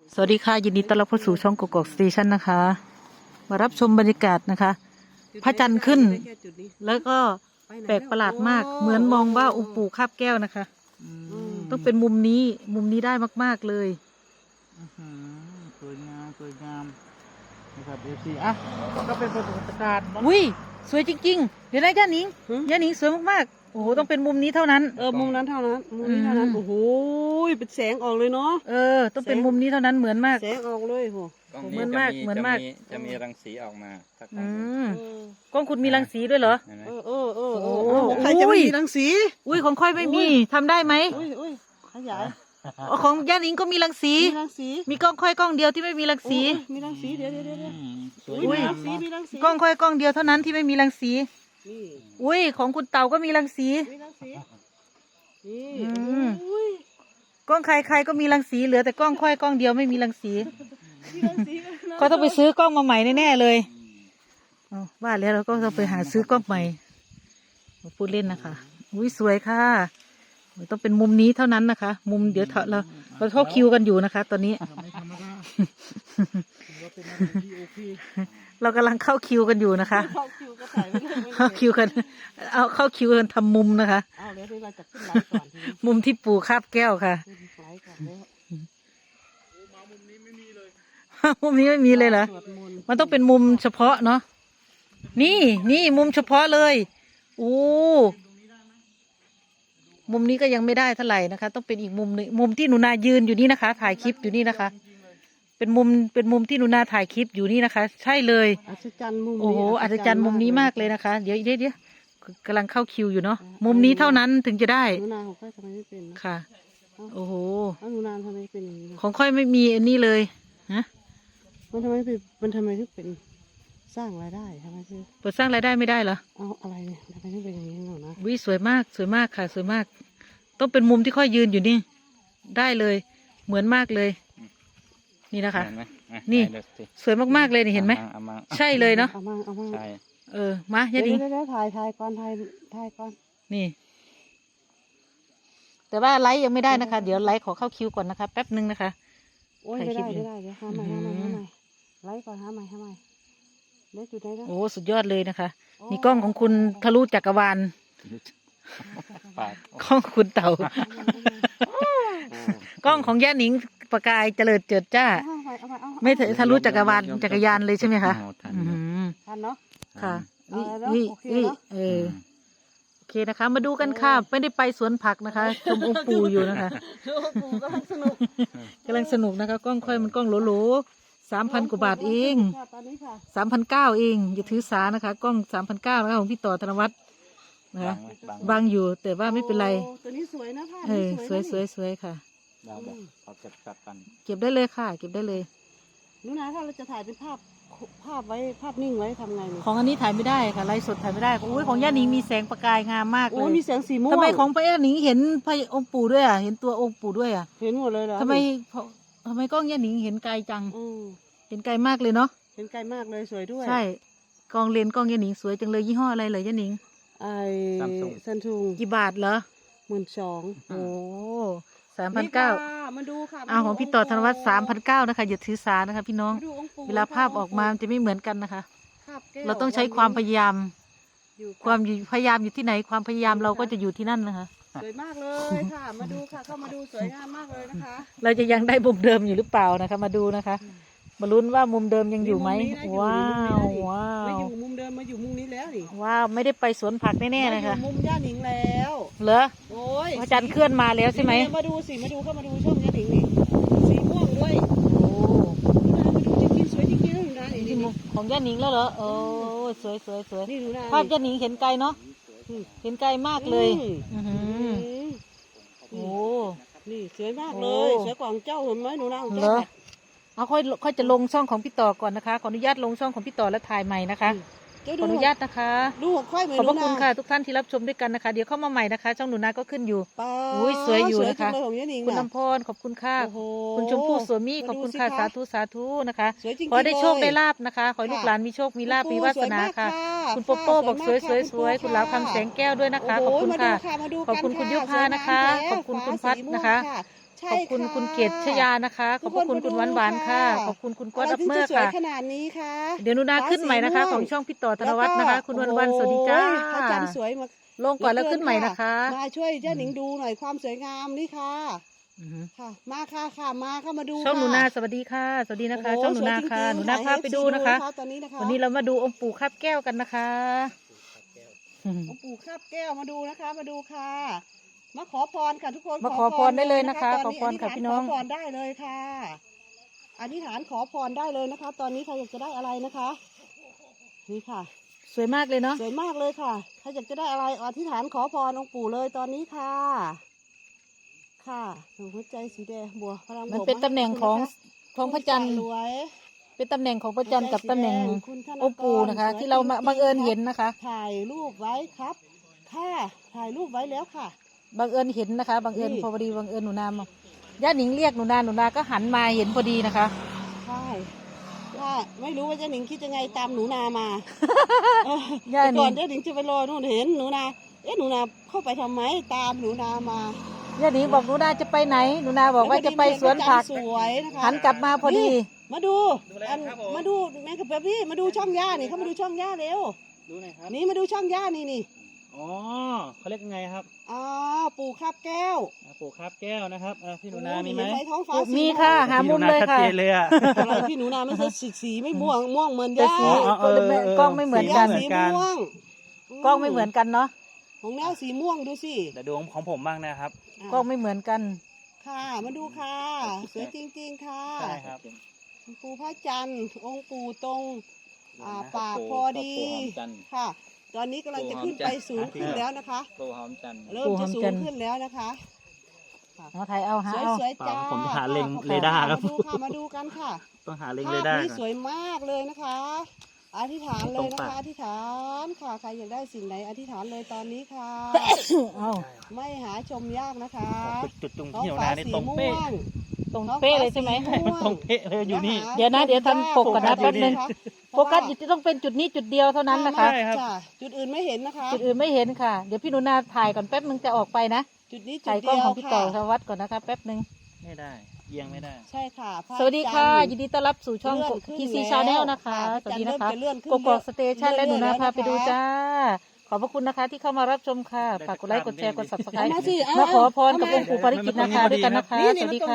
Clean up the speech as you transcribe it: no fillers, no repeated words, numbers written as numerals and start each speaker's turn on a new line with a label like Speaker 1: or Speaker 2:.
Speaker 1: สวัสดีค่ะยินดีต้อนรับเข้าสู่ช่องกกอกสเตชันนะคะ มารับชมบรรยากาศนะคะพระจันทร์ขึ้นแล้วก็แปลกประหลาดมากเหมือนมองว่าองค์ปู่คาบแก้วนะคะต้องเป็นมุมนี้ได้มากๆเลย
Speaker 2: สวยงามนะครับเอฟซีอ่ะก็เป็นประวัติการณ์
Speaker 1: อุ้ยสวยจริงๆเดี๋ยวนะย่าหนิงสวยมากๆโอ้โหต้องเป็นมุมนี้เท่านั้น
Speaker 3: มุมนั้นเท่านั้นมุมนี้เท่านั้นโอ้โหเป็นแสงออกเลยเนาะ
Speaker 1: ต้องเป็นมุมนี้เท่านั้นเหมือนมาก
Speaker 3: แสงออกเลยโห
Speaker 1: เหมือนมาก
Speaker 4: จะมีรังสีออกมาถ้าก
Speaker 1: ล้องคุณมีรังสีด้วยเหรอ
Speaker 3: ใครจะไม่มีรังสี
Speaker 1: อุ้ยของค่อยไม่มีทำได้ไหม
Speaker 3: อุ้ยขยาย
Speaker 1: ของย่าหนิงก็มีรังสีมีกล้องค่อยกล้องเดียวที่ไม่มีรังสี
Speaker 3: มีรังสีเดี๋ยว
Speaker 1: อุ้ยกล้องค่อยกล้องเดียวเท่านั้นที่ไม่มีรังสีอุ้ยของคุณเต่าก็มีรังสีกล้องใครก็มีรังสีเหลือแต่กล้องค่อยกล้องเดียวไม่มีรังสีก็ต้องไปซื้อกล้องมาใหม่แน่ๆเลยว่าแล้วเราก็ต้องไปหาซื้อกล้องใหม่พูดเล่นนะคะอุ้ยสวยค่ะต้องเป็นมุมนี้เท่านั้นนะคะมุมเดี๋ยวเราเข้าคิวกันอยู่นะคะ ตอนนี้ เรากำลังเข้าคิวกันอยู่นะคะเข้าคิวกันเข้าคิวกันทำมุมนะคะมุมที่ปู่คาบแก้วค่ะมุมนี้ไม่มีเลยเหรอมันต้องเป็นมุมเฉพาะเนาะนี่มุมเฉพาะเลยมุมนี้ก็ยังไม่ได้เท่าไหร่นะคะต้องเป็นอีกมุมหนึ่งมุมที่หนูนายืนอยู่นี่นะคะถ่ายคลิปอยู่นี่นะคะเป็นมุมที่หนูนาถ่ายคลิปอยู่นี่นะคะใช่เลย
Speaker 3: อัศจรรย์มุม
Speaker 1: โอ้โหอัศจรรย์มุมนี้มากเลยนะคะเดี๋ยวกำลังเข้าคิวอยู่เนาะมุมนี้เท่านั้นถึงจะได้
Speaker 3: หนูนาของค่อยทำไมไม่เป็น
Speaker 1: ค่ะโอ้โห
Speaker 3: หนูนาทำไมเป็นอย่างนี้
Speaker 1: ของค่อยไม่มีอันนี้เลยฮะ
Speaker 3: มันทำไมถึงเป็นสร้างรายได้ทำไมถึง
Speaker 1: เปิดสร้างรายได้ไม่ได้เหรอ
Speaker 3: อะไรเนี่ยทำไมถึงเป็นอย่างนี้หนูนะ
Speaker 1: วิสวยมากค่ะสวยมากต้องเป็นมุมที่ค่อยยืนอยู่นี่ได้เลยเหมือนมากเลยนี่นะคะนี่สวยมากๆเลยนี่เห็นไหมใช่เลยเนาะ
Speaker 4: ใช่
Speaker 1: มาอย่าดิ
Speaker 3: ถ่ายก่อน
Speaker 1: นี่แต่ว่าไลฟ์ยังไม่ได้นะคะเดี๋ยวไลฟ์ขอเข้าคิวก่อนนะคะแป๊บนึงนะคะ
Speaker 3: โอ้ยไม่ได้เดี๋ยวหาใหม่ไลฟ์ก่อนหาใหม่ได้จุดได้แล้ว
Speaker 1: โอ้สุดยอดเลยนะคะนี่กล้องของคุณทะลุจักรวาลกล้องคุณเต่ากล้องของย่าหนิงประกายเจริญเจิดจ้าไม่ทะลุจักรวาลจักรยานเลยใช่ไหมคะ
Speaker 3: ทันเนาะ
Speaker 1: ค่ะนี่โอเคนะคะมาดูกันค่ะไม่ได้ไปสวนผักนะคะชมองค์ปู่อยู่นะคะ
Speaker 3: กำลังส
Speaker 1: นุกนะคะกล้องค่อยมันกล้องโหล3,000 กว่าบาทเอง3,900เองอย่าถือสานะคะกล้อง3,900นะคะของพี่ต่อธนวัฒน์นะคะบางอยู่แต่ว่าไม่เป็นไร
Speaker 3: ตัวนี้สวยนะผ้า
Speaker 1: สวยค่ะ
Speaker 4: เราเก็บจัดกัน
Speaker 1: เก็บได้เลยค่ะเก็บได้เลย
Speaker 3: นู้นนะถ้าเราจะถ่ายเป็นภาพไว้ภาพนิ่งไว้ทำไงเนี่ย
Speaker 1: ของอันนี้ถ่ายไม่ได้ค่ะไลฟ์สดถ่ายไม่ได้อุ้ยของย่าหนิงมีแสงประกายงามมากเลย
Speaker 3: มีแสงสีม่วง
Speaker 1: ทำไมของพระย่าหนิงเห็นพระองค์ปู่ด้วยอ่ะเห็นตัวองค์ปู่ด้วยอ่ะ
Speaker 3: เห็นหมดเลยเหรอ
Speaker 1: ทำไมกล้องย่าหนิงเห็นไกลจังเห็นไกลมากเลยเนาะ
Speaker 3: เห็นไกลมากเลยสวยด้วย
Speaker 1: ใช่กล้องเลนกล้องย่าหนิงสวยจังเลยยี่ห้ออะไรเลยย่าหนิง
Speaker 3: ซัมซุง
Speaker 1: กี่บาทเหรอ
Speaker 3: 12,000โอ้
Speaker 1: 3,900
Speaker 3: มาดูค่ะ
Speaker 1: ของพี่ต่อธนวัฒน์3,900นะคะอย่าถือสานะคะพี่น้องเวลาภาพออกมาจะไม่เหมือนกันนะคะเราต้องใช้ความพยายามอยู่ที่ไหนความพยายามเราก็จะอยู่ที่นั่นนะคะ
Speaker 3: สวยมากเลยค่ะมาดูค่ะเข้ามาดูสวยงามมากเลยนะคะ
Speaker 1: เราจะยังได้มุมเดิมอยู่หรือเปล่านะคะมาดูนะคะมาลุ้นว่ามุมเดิมยังอยู่ไหมว้าว
Speaker 3: ไม่อยู่มุมเดิมมาอยู่มุมนี้แล้วนี่
Speaker 1: ว้าวไม่ได้ไปสวนผักแน่ๆนะคะ
Speaker 3: มุมย่าหนิงแล้ว
Speaker 1: เหรอโอ้ยพระจันทร์เคลื่อนมาแล้วใช่ไหม
Speaker 3: มาดูเข้ามาดูช่องย่าหนิงนี่สีม่วงด้วยโอ้มาดูจริงๆสวยจริงๆนะ
Speaker 1: นี่ของย่าหนิงแล้วเหรอโอ้สวย
Speaker 3: นี่ดูนะ
Speaker 1: ภาพย่าหนิงเห็นไกลเนาะเห็นไกลมากเลยโอ้
Speaker 3: นี่สวยมากเลยสวยกว่าเจ้าเห็นไหมหนูนะเจ้า
Speaker 1: ค่อยจะลงช่องของพี่ต่อก่อนนะคะขออนุญาตลงช่องของพี่ต่อและถ่ายใหม่นะคะขออนุญาตนะคะ
Speaker 3: ดูค่อยเหมือน
Speaker 1: ขอบพระคุณค่ะทุกท่านที่รับชมด้วยกันนะคะเดี๋ยวเข้ามาใหม่นะคะช่องหนูนาก็ขึ้นอยู่อุ้ยสวยอยู่นะคะคุณลำพรขอบคุณค่ะคุณชมพู่สวมีขอบคุณค่ะสาธุนะคะขอได้โชคได้ลาบนะคะขอให้ลูกหลานมีโชคมีลาบมีวาสนาค่ะคุณโปโป้บอกสวยคุณลาวคำแสงแก้วด้วยนะคะขอบคุณค่ะขอบคุณคุณยุพานะคะขอบคุณคุณพัดนะคะ
Speaker 3: ใช่
Speaker 1: ขอบคุณ
Speaker 3: ค่ะ
Speaker 1: คุณเกศชยานะคะ ขอบพระคุณคุณหวานหวานค่ะ ขอบคุณคุณก๊อต
Speaker 3: อะไร
Speaker 1: ดับ
Speaker 3: ถึง
Speaker 1: เมอ
Speaker 3: จะ
Speaker 1: ร์
Speaker 3: สวย
Speaker 1: ค่ะ
Speaker 3: ขนาดนี้คะ
Speaker 1: เดี๋ยวหนูนาขึ้นใหม่นะคะ ของช่องพี่ต่อธนวัฒน์นะคะ คุณวันวันสวัสดีจ้า
Speaker 3: โอ้ยพระจันทร์สวยมาก
Speaker 1: ลงก่อนแล้วขึ้นใหม่นะคะ
Speaker 3: มาช่วยเจ้าหนิงดูหน่อยความสวยงามนี่ค่ะ
Speaker 1: อือหือ
Speaker 3: ค่ะ มาค่ะค่ะมาเข้ามาดู
Speaker 1: ช่องหนู
Speaker 3: ค่ะ
Speaker 1: นาสวัสดีค่ะ สวัสดีนะคะ
Speaker 3: โโ
Speaker 1: ช่องหนูนาค่ะ
Speaker 3: สวยจริงๆ
Speaker 1: หนูนาพาไปดูนะคะ
Speaker 3: ถ่ายให้ FC ตอนนี้นะคะ
Speaker 1: วันนี้เรามาดูองค์ปู่คาบแก้วกันนะคะอืม
Speaker 3: องค์ปู่คาบแก้วมาดูนะคะ มาดูค่ะ มาขอพรค่ะทุกคน
Speaker 1: มาขอพรได้เลยนะคะ
Speaker 3: ต
Speaker 1: ขอพรค่ะพี่น้อง
Speaker 3: ขอพรได้เลยค่ะอธิษฐานขอพรได้เลยนะคะ ตอนนี้ใครอยากจะได้อะไรนะคะ นี่ค่ะ
Speaker 1: สวยมากเลยเนาะ
Speaker 3: สวยมากเลยค่ะใครอยากจะได้อะไรอธิษฐานขอพรองค์ปู่เลยตอนนี้ค่ะ ค่ะหัวใจสีแดงบัวพลังบวก
Speaker 1: มันเป็นตำแหน่งของพระจันทร์
Speaker 3: รวย
Speaker 1: เป็นตำแหน่งของพระจันทร์กับตำแหน่ง
Speaker 3: คุณธนกร
Speaker 1: องค์ปู่นะคะ ที่เรามาบังเอิญเห็นนะคะ
Speaker 3: ถ่ายรูปไว้ครับค่ะถ่ายรูปไว้แล้วค่ะ
Speaker 1: บังเอิญเห็นนะคะบังเอิญ
Speaker 3: นี่
Speaker 1: พอดีบังเอิญหนูนามาย่าหนิงเรียกหนูนาก็หันมาเห็นพอดีนะคะ
Speaker 3: ใช่ว่าไม่รู้ว่าเจ้าหนิงคิดยังไงตามหนูนามาเออ
Speaker 1: ย่าหนิง
Speaker 3: แต่ก่อนเจ้าหนิงจะไปรอนู่นเห็นหนูนาหนูนาเข้าไปทำไมตามหนูนามา
Speaker 1: ย่าหนิงบอกหนูนาจะไปไหนหนูนาบอกว่าจะไปสวนผัก
Speaker 3: สวยนะคะ
Speaker 1: หันกลับมาพอดี
Speaker 3: มาดูมาดูแม่กับพี่มาดูช่องย่านี่เขามาดูช่องย่าเร็ว
Speaker 2: ดูหน่อยครับ
Speaker 3: นี่มาดูช่องย่านี่
Speaker 2: อ๋อเขาเรียกยังไงครับ
Speaker 3: อ๋อปู่คาบแก้ว
Speaker 2: ปลูกคาบแก้วนะครับพี่หนูนา
Speaker 3: โอ้
Speaker 2: มีไหม
Speaker 3: เห็ท้องฟ้า
Speaker 1: มี
Speaker 3: สี
Speaker 1: ค่ะ หามุมเลย
Speaker 2: ชัด
Speaker 1: ค่ะ
Speaker 2: เจนเลยอ่ะ
Speaker 3: อะไรพี่หนูนาไม่ใช่สีไม่ม่วงเหมือน
Speaker 1: แต่
Speaker 3: ย่า
Speaker 1: สี
Speaker 2: อ๋อเออเออ
Speaker 1: กล้องไม่เหมือนกัน
Speaker 2: สี
Speaker 3: สีม่วง
Speaker 1: กล้องไม่เหมือนกันเนาะ
Speaker 3: ของแนวสีม่วงดูสิ
Speaker 2: แต่ดูของผมบ้างนะครับ
Speaker 1: กล้องไม่เหมือนกัน
Speaker 3: ค่ะมาดูค่ะสวยจริงๆค่ะ
Speaker 2: ใช่ครับ
Speaker 3: ปู่พระจันทร์องค์ปู่ตรงปากพอดี
Speaker 4: ปู่หอมจันทร์
Speaker 3: ค่ะ ตอนนี้กำลังจะขึ้นไปสูงขึ้นแล้วนะคะ
Speaker 4: ปู่หอมจันทร์
Speaker 3: เริ่มจะสูงขึ้นแล้วนะคะ
Speaker 1: เอาถ่ายเอาหาเอา
Speaker 3: สวยๆจ้า
Speaker 2: ผมจะหาเล็ง
Speaker 3: ขอบคุณ
Speaker 2: เรดาร์ครับ
Speaker 3: มาดูกันค่ะ
Speaker 2: ต้องหาเล็ง
Speaker 3: ภา
Speaker 2: เร
Speaker 3: พ
Speaker 2: ดาร์
Speaker 3: นี้
Speaker 2: ก่อน
Speaker 3: สวยมากเลยนะคะ อธิษฐานเลยนะ
Speaker 2: ตรงปา
Speaker 3: คะ
Speaker 2: ก
Speaker 3: อธิษฐานค่ะใครอยากได้สิ่งไหนอธิษฐานเลยตอนนี้ค่ะ
Speaker 1: เอา
Speaker 3: ไม่หาชมยากนะคะ
Speaker 2: จุดตรง
Speaker 3: ท้อง
Speaker 2: ที่หนู
Speaker 3: ฟ้า
Speaker 2: นานี่
Speaker 3: สี
Speaker 2: ตรง
Speaker 3: ม่
Speaker 2: เป๊ะ
Speaker 3: วง
Speaker 1: ตรงเป๊ะเลยใช่ไหม
Speaker 2: มันตรงเป๊ะเลยอยู่นี่
Speaker 1: เดี๋ยวนะเดี๋ยวทำปกก่อนนะแป๊บนึง โฟกัส
Speaker 3: อ
Speaker 1: อยู่ที่ต้องเป็นจุดนี้จุดเดียวเท่านั้นนะคะ
Speaker 2: ใช่ครับ
Speaker 3: จุดอื่นไม่เห็นนะคะ
Speaker 1: จุดอื่นไม่เห็นค่ะ เดี๋ยวพี่หนูนาถ่ายก่อนแป๊บนึงจะออกไปนะ
Speaker 3: จุดนี้จุ
Speaker 1: ถ่า
Speaker 3: ด
Speaker 1: ยกล้
Speaker 3: เดี
Speaker 1: อง
Speaker 3: ยว
Speaker 1: ของพี่ต่อธ
Speaker 3: ค่ะ
Speaker 1: วัฒน์ก่อนนะคะแป๊บนึง
Speaker 2: ไม่ได้เอียงไม่ได้
Speaker 3: ใช่ค่ะพระ
Speaker 1: สวัสดีค่ะ
Speaker 3: จันทร์
Speaker 1: ยินดีต้อนรับสู่ช่อง
Speaker 3: เลื่อนขึ้น
Speaker 1: TC
Speaker 3: แล้ว
Speaker 1: Channel นะคะ
Speaker 3: ค่ะ
Speaker 1: สวัสดีนะคะ
Speaker 3: จะเลื่อนขึ้น
Speaker 1: กกอกสเตชันและหนูนาพาไปดู
Speaker 3: เลื่อนๆ
Speaker 1: จ้า ขอบพระคุณนะคะที่เข้ามารับชมค่ะ ฝากกดไลค์กดแชร์กด subscribe
Speaker 3: เอามาสิเอา
Speaker 1: มาขอพร
Speaker 3: เอา
Speaker 1: กับ
Speaker 3: มา
Speaker 1: องค์ปู่ปาริจิตนะคะด้วยกันนะคะ
Speaker 3: นี่
Speaker 1: สวัสดีค่ะ